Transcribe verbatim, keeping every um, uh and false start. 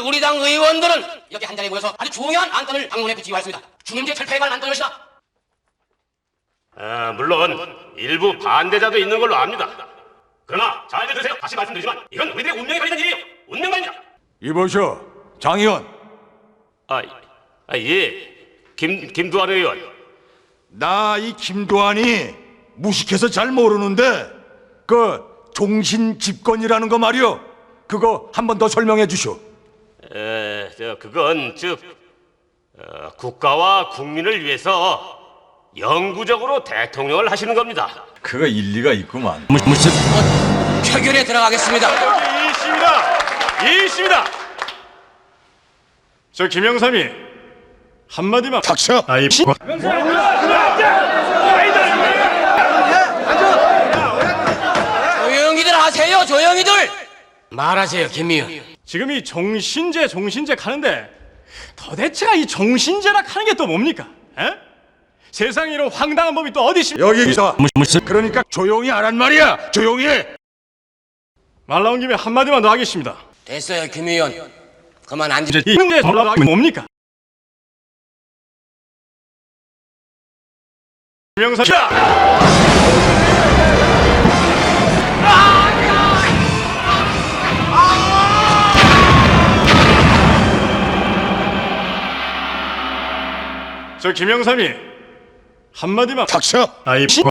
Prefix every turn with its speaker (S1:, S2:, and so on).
S1: 우리 당 의원들은 이렇게 한 자리에 모여서 아주 중요한 안건을 당론에 붙이기로 했습니다. 중임제 철폐에 관한 안건을 시다.
S2: 아, 물론 일부 반대자도 있는 걸로 압니다. 그러나 잘 들으세요. 다시 말씀드리지만 이건 우리들의 운명에 걸린 일이에요. 운명만입니다.
S3: 이보시오, 장 의원.
S2: 아, 아 예, 김 김두한 의원.
S3: 나 이 김도환이 무식해서 잘 모르는데 그 종신 집권이라는 거 말이요. 그거 한 번 더 설명해 주시오.
S2: 에, 저 그건 즉 어, 국가와 국민을 위해서 영구적으로 대통령을 하시는 겁니다.
S4: 그거 일리가 있구만.
S1: 표결에 들어가겠습니다.
S5: 이 있습니다. 이 있습니다. 저 김영삼이 한마디만.
S3: 닥쳐.
S5: 아이
S1: 조용히들 하세요. 조용히들. 말하세요, 김미연.
S5: 지금 이 종신제 종신제 가는데 도대체가 이 종신제라 하는 게 또 뭡니까? 에? 세상에 이런 황당한 법이 또 어디 있습니까?
S3: 여기서 그러니까 조용히 하란 말이야. 조용히 해.
S5: 말 나온 김에 한마디만 더 하겠습니다.
S1: 됐어요, 김미연. 그만 앉으.
S5: 이 형제 돌아가기 뭡니까? 김영삼. 저 김영삼이 한마디만.
S3: 닥쳐.
S5: 아이